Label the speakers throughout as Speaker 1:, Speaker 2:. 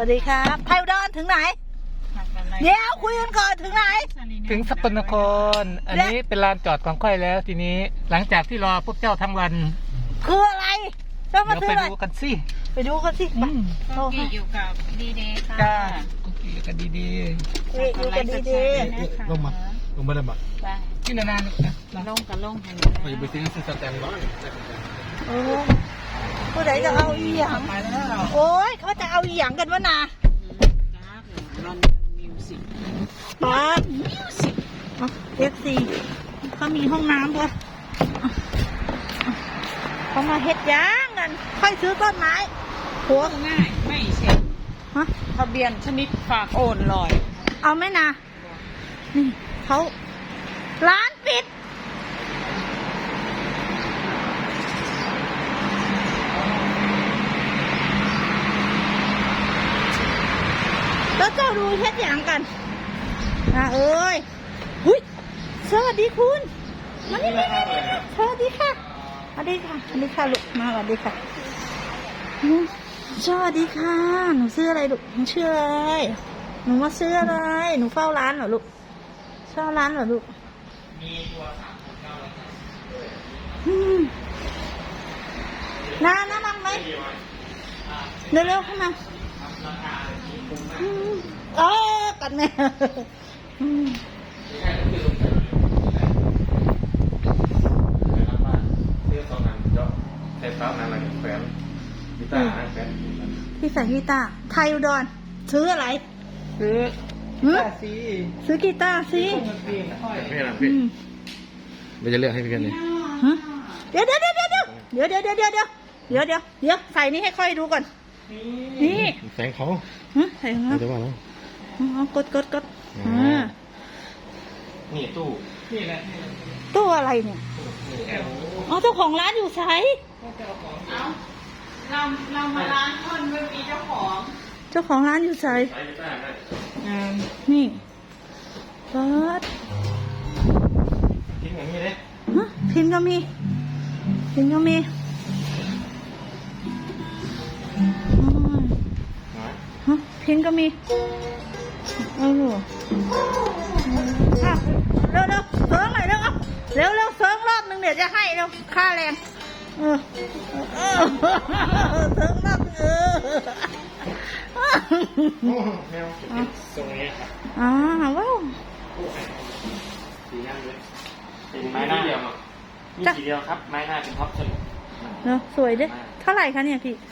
Speaker 1: วัสดีครับไทยอุดรถึงไหนเดี๋ยวคุยกันก่อนถึงไหน
Speaker 2: ถึงสกลนครอันนี้เป็นลานจอดของค่อยแล้วทีนี้หลังจากที่รอพวกเจ้าทั้งวัน
Speaker 1: คืออะไรต้องมา
Speaker 2: เดี๋ยว
Speaker 1: ซื้อ
Speaker 2: ไป
Speaker 1: อะไร
Speaker 2: ดูกันสิ
Speaker 1: ไปดูกันสิโอเค
Speaker 3: อยู่กับดีเดย์ค่ะ
Speaker 2: จ้าโอเคกันดี
Speaker 1: อยู่กันดี
Speaker 4: ลงมาได้บ่
Speaker 2: ๆที่นานๆนะ
Speaker 3: ลงกับลงให้
Speaker 4: ไปไปซื้อสแตมป์ร้อน
Speaker 1: โอ้ผู้ใดจะเอาอีหยังโอ้ยเขาจะเอาอีหยังกันวะนาป๊าบFC เขามีห้องน้ำด้วยเขามาเฮ็ดย่างกันค่อยซื้อต้นไม้หัว
Speaker 3: ง่ายไม่เช็ค
Speaker 1: ฮะ
Speaker 3: ทะเบียนชนิดฝากโอนลอย
Speaker 1: เอาไหมนะนี่เขาร้านปิดแล้วเจ้าดูเฮ็ดอย่างกันเอ้ยหุ้ยสวัสดีคุณมานี่สวัสดีค่ะสวัสดีค่ะสวัสดีค่ะลูกมาสวัสดีค่ะสวัสดีค่ะหนูซื้ออะไรลูกหนูชื่ออะไรหนูมาซื้ออะไรหนูเฝ้าร้านเหรอลูกเฝ้าร้านเหรอลูกน้านั่งไหมเร็วๆเข้ามากัดแม่พี่ใส่กีตาร์ไทยอุดรซื้ออะไร
Speaker 2: ซื้อสิ
Speaker 1: ซื้อกีตาร์สิ
Speaker 4: ไม่หลังพี่ไม่จะเลือกให้พี่กันเลย
Speaker 1: เดี๋ยวใส่นี่ให้ค่อยดูก่อนนี่
Speaker 4: แสงเขา
Speaker 1: ใส่ของเรา
Speaker 4: เดี๋ยวว่าแล้ว
Speaker 1: กด
Speaker 4: นี่ตู้
Speaker 2: นี่แหละ
Speaker 1: ตู้อะไรเนี่ยอ๋อเจ้าของร้านอยู่ไส
Speaker 3: เรามาร้านคนไม่มีเจ้าของ
Speaker 1: เจ้าของร้านอยู่ไสนี่เปิด
Speaker 4: ทิ้งอย่างนี้เลย
Speaker 1: พินก็มีพินก็มีเร็วเซิร์งหน่อยเร็วเซิร์งรอบนึงเดี๋ยวจะให้เร็วค่าแรงเซิร์งรอบ
Speaker 4: แมวตรงนี้ครับ
Speaker 1: ว้าว
Speaker 4: สีหน้าเลยเป็นไม้หน้าเดียวมีสีเดียวครับไม้หน้าเป็นท็อปสนุก
Speaker 1: เนาะสวยด้วยเท่าไหร่คะเนี่ยพี่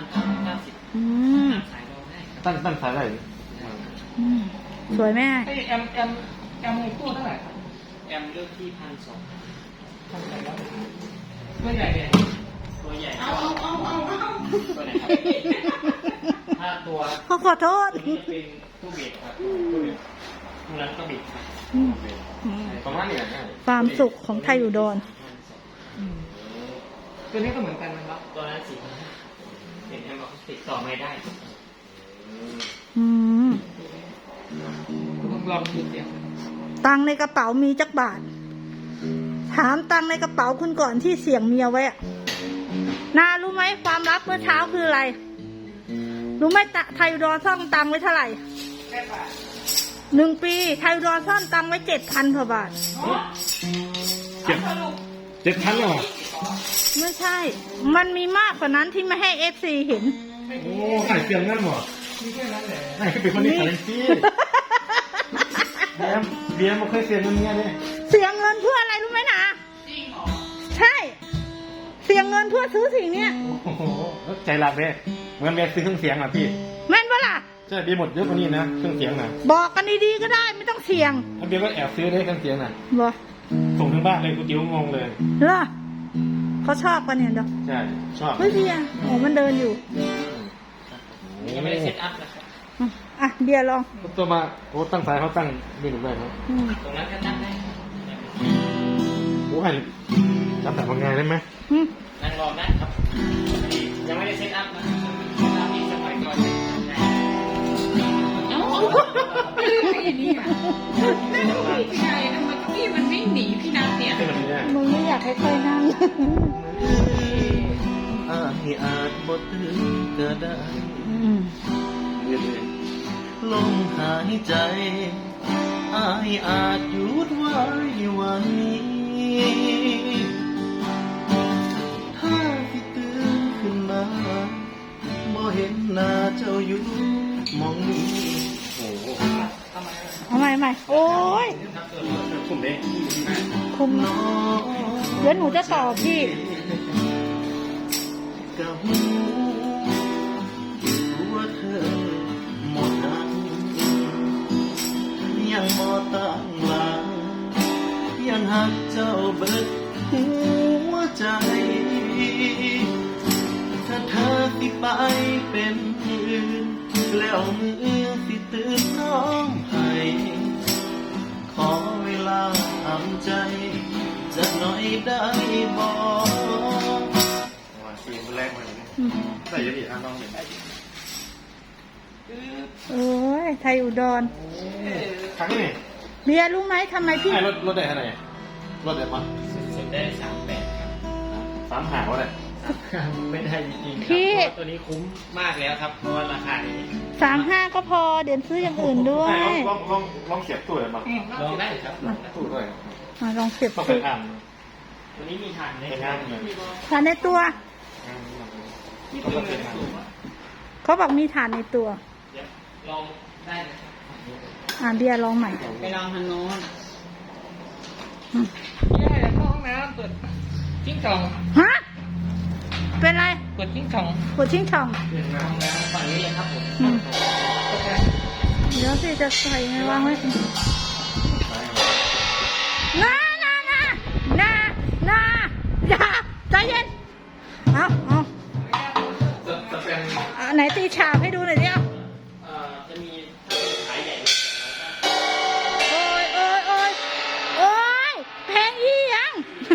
Speaker 4: 3,990ตั้งสายได้
Speaker 1: สวยแม่
Speaker 2: แอมตู้เท่าไหร่ครับ
Speaker 4: แอมเลือกที่1,200
Speaker 2: ตัวใหญ่เนี่ย
Speaker 4: ตัวใหญ่เอาตัวไหนครับถ้าตัว
Speaker 1: ขอโทษ
Speaker 4: นี้จะเป็นตู้เบรกครับตู้นั้นก็บิดประมาณนี้นะ
Speaker 1: ความสุขของไทยอุดร
Speaker 2: ตัวนี้ก็เหมือนกันนะครับ
Speaker 4: ตัวนั้นสีเห็นแอมบอกติดต่อไม่ได้
Speaker 2: ลองดูเสียง
Speaker 1: ตังในกระเป๋ามีจักบาทถามตังในกระเป๋าคุณก่อนที่เสี่ยงเมียไว้นารู้ไหมความลับเมื่อเช้าคืออะไรรู้ไหมไทยอุดรซ่อนตังไว้เท่าไหร่1 ปีไทยอุดรซ่อนตังไว้7,000 กว่าบาท
Speaker 4: 7,000เหรอ
Speaker 1: ไม่ใช่มันมีมากกว่านั้นที่ไม่ให้ FC เห็น
Speaker 4: โอ้ขายเสียงนั่นหรอไอ้เป็นคนนี้ขายซีเบียร์มันเคยเสียเงินเงี้ยเลย
Speaker 1: เสียเงินเพื่ออะไรรู้ไหมนะจริงเหรอใช่เสียเงินเพื่อซื้อสิ่งเนี้ย
Speaker 4: โอ้โหใจรักเลยเหมือนเบียร์ซื้อเครื่องเสียงอ่ะพี่
Speaker 1: แม่นปะล่ะ
Speaker 4: ใช่เบียร์หมดเยอะกว่านี้นะเครื่องเสียงน่ะ
Speaker 1: บอกกันดีๆก็ได้ไม่ต้องเสี่ยง
Speaker 4: เบียร์ก็แอบซื้อได้เครื่องเสียงน่ะ
Speaker 1: บอก
Speaker 4: ส่งถึงบ้านเลยกูจิ้วงงเลย
Speaker 1: เหรอเขาชอบกันเนี่ยเด้อ
Speaker 4: ใช่ชอบ
Speaker 1: เฮ้ยเบียร์โอ้มันเดินอยู่
Speaker 4: ยังไม่ได้เซตอัพเลย
Speaker 1: เบียร์ลอง
Speaker 4: ตัวมาโอ้ตั้งสายเขาตั้งมีหนุ่มได้ไหมตรงนั้นก็ตั้งได้โอ้ยจับแต่มาไงได้ไหมนั่งรอได้ครับยังไม่ได้เซตอัพนะอีกสักหน่อยก่อน
Speaker 3: มันวิ่งหนีพี่นัทเนี่ย
Speaker 1: มึงไม่อยากให้ใครนั่ง
Speaker 4: อาจบทถึงก็ได้
Speaker 5: ายใจอายอาจหยุดไว้วันนี้ ถ้าที่ตื่นขึ้นมาบ่เห็นหน้าเจ้าอยู่หมองนี้โอ้โห
Speaker 1: เอาใหม่โอ้ย
Speaker 4: ผมเด้
Speaker 1: คุม
Speaker 5: น้อง
Speaker 1: เดี๋ยวหนูจะตอบพี่
Speaker 5: กับหูว่าเธอหมดหักยังบ่ตั้งหลังยังหักเจ้าเบิดหัวใจ ถ้าเธอสิไปเป็นอื่นแล้วมือสิตื่นน้องให้ขอเวลาทำใจจะหน่อยได้บอก
Speaker 4: ว่าซีนแรกมาเลยใส่ยังอีกน้องเห็น
Speaker 1: โอ้ยไทยอุดร
Speaker 4: ครั้งนี้
Speaker 1: เบียร์รู้ไหมทำไมพี่
Speaker 4: ไอ้รถได้เท่าไหร่รถได้ปะ
Speaker 2: สุดได้38ครับ
Speaker 4: 3 หาวะเนี่ย
Speaker 2: ไม่ได้จริงๆครับ
Speaker 1: พี่
Speaker 2: เพราะว่าตัวนี้คุ้มมากแล้วครับ เพราะว่าราคานี้
Speaker 1: 35ก็พอเดี๋ยวซื้ออย่างอื่นด้วย
Speaker 4: ลองเสียบตู้เลยมั้ง
Speaker 2: ลองได้ครับลองได้
Speaker 4: ตู้ด้วย
Speaker 1: ลองเสียบ
Speaker 4: ต้อง
Speaker 1: สิ
Speaker 4: ไปท
Speaker 2: ตัวนี้มีฐาน
Speaker 4: ำ
Speaker 2: ใน
Speaker 4: ไป
Speaker 2: ครั
Speaker 4: งา
Speaker 2: บ
Speaker 4: นเลย
Speaker 1: ฐานในตัว
Speaker 2: ที่เป็นเงินสูง
Speaker 1: เขาบอกมีฐานในตัว
Speaker 2: เดี๋ยวลองได้นะครับ
Speaker 1: เบียร์ลองใหม่
Speaker 3: ไปลองทางโน้น
Speaker 2: แย่เข้าห้องน้ำเปิดจิ้งจอง
Speaker 1: ฮะ เป็นไร
Speaker 2: เปิดจิ้งจอง
Speaker 1: ปวดชิงช่อง
Speaker 2: เปิดห้องน้ำฝั่งนี้เลยครับผม
Speaker 1: อืม เดี๋ยวสิจะใส่ไงวางไว้นาอย่าใจเย็น เอา
Speaker 2: จะเป็น
Speaker 1: ไหนตีฉาบให้ดูหน่อยดิเอา
Speaker 2: จะมีถ้าเป็นขายใหญ่
Speaker 1: โอ้ยแพงอีหยัง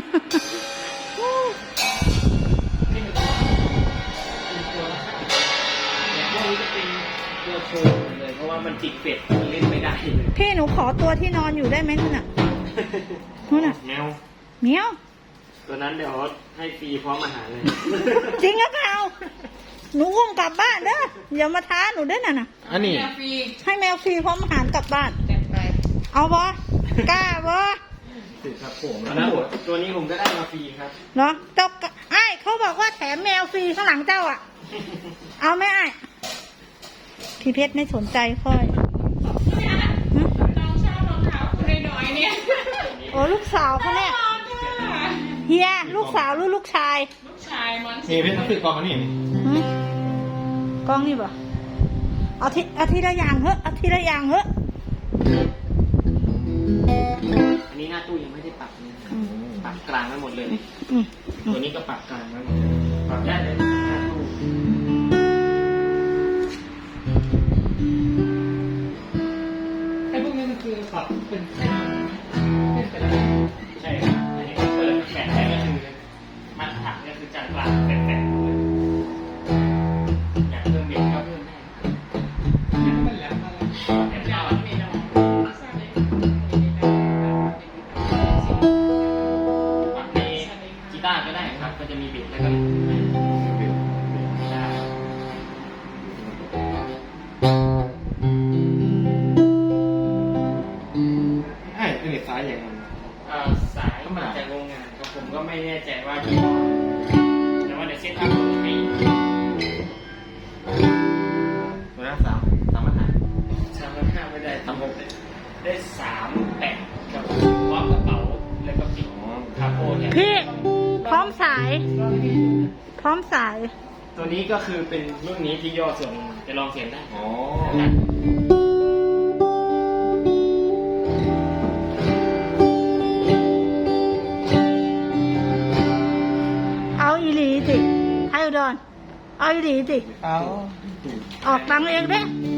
Speaker 2: ที่เป็นตัวละอย่างพวกนี้จะเป็นตัวโชว์หมดเลย เพราะว่ามันติดเป็ดมันเล่นไม่ได้เลย
Speaker 1: พี่หนูขอตัวที่นอนอยู่ได้ไหมนู่นน่ะนู่นน่ะ
Speaker 4: แมว
Speaker 1: เหมียว
Speaker 2: ตัวนั้นเดี๋ยวให้ฟรีพร้อมอาหารเลย
Speaker 1: จริงหรือเปล่าหนูอุ้มกลับบ้านเด้ออย่ามาท้าหนูเด้อน่ะนะ
Speaker 4: อันนี้
Speaker 3: ฟรี
Speaker 1: ให้แมวฟรีพร้อมอาหารกลับบ้าน
Speaker 3: จัดไป
Speaker 1: เอาบ่กล้าบ่
Speaker 4: ติดครับผม
Speaker 2: อันนั้นตัวนี้ผมก็ได้มาฟรีครับ
Speaker 1: เนาะเจ้าไอ้ายเขาบอกว่าแถมแมวฟรีข้างหลังเจ้าอ่ะ เอาไหมไอ้ายพี่เพชรไม่สนใจค่อย
Speaker 3: น้องชอบรองเท้าคุณน้อยๆเนี่ย
Speaker 1: โอ้ลูกสาวเขาเนี่ย
Speaker 3: น่ารักอะ
Speaker 1: เฮียลูกสาวหรือลูกชาย
Speaker 3: ลูกชายมัน
Speaker 4: นี่พี่ต้องซื้อกองมานี่
Speaker 1: หึกล้องนี่บ่เอาทีละอย่างเหอะเอาทีละอย่างเหอะ
Speaker 2: อันนี้หน้าตู้ยังไม่ได้ปรับเลย
Speaker 1: อืม
Speaker 2: ปรับกลางไว้หมดเลย
Speaker 1: อืม
Speaker 2: ตัวนี้ก็ปรับกลางไว้หมดเลยปรับได้เลยหน้าตู้ไอ้พวกนี้มันคือปรับเป็นเส้นไปแล้วใช่ครับอันนี้เปิดแขนได้ก็คือมาตรฐานก็คือจานกลางแฝงๆเลยอยากเพิ่มเด็กก็เพิ่มได้ยังไม่แหลมอะไรแหลมยาวไม่ได้ปรับในกีตาร์ก็ได้ครับก็จะมีบิดแล้วก็ได้
Speaker 4: ไอ้เป็นเด็กซ้ายอย่างนั้น
Speaker 2: สายมาจากโรงงานครับผมก็ไม่แน่ใจว่ายี่ห้อแต่ว่าเดี๋ยวเซ็ตอัพให้
Speaker 4: ตัวนั้น3มาหา
Speaker 2: 3,500ไม่ได้36ได้38กับพร้อมกระเป๋าแล้วก็ปิดคาโปเนี่ย
Speaker 1: พี่พร้อมสาย พร้อมสาย
Speaker 2: ตัวนี้ก็คือเป็นรุ่นนี้ที่ย่อส่วนจะลองเสียงได้
Speaker 4: อ๋อ
Speaker 1: เอาอีหลีสิให้อุดรเอาอีหลีสิ
Speaker 2: เอา
Speaker 1: ออกตังค์เองเด้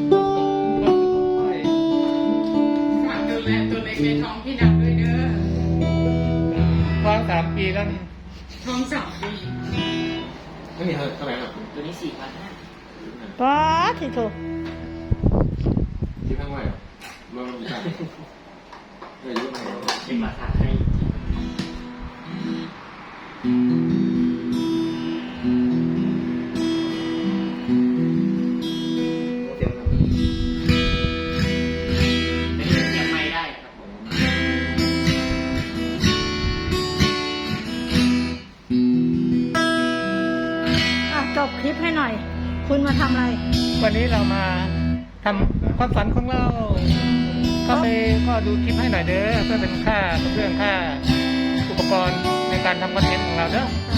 Speaker 3: ฝากดูแลตัวเล็กในท้องพี่ดำด้วยเด้อ
Speaker 2: ฟัง3 ปีแล้วนี่
Speaker 3: ท้อง2 ปี
Speaker 4: ไม่มีเท่าไหร่หรอก
Speaker 2: ตัวนี้4,500
Speaker 1: ป๊าดสิโถ
Speaker 4: ที่ข้างไว้รวมมีกันเลยยุ่งไหน
Speaker 2: เป็นราคาให้
Speaker 4: เตรียม
Speaker 1: คลิปให้หน่อย คุณมาทำอะไร
Speaker 2: วันนี้เรามาทำความฝันของเรา ก็ดูคลิปให้หน่อยเด้อเพื่อเป็นค่าเรื่องค่าอุปกรณ์ในการทำคอนเทนต์ของเราเด้อ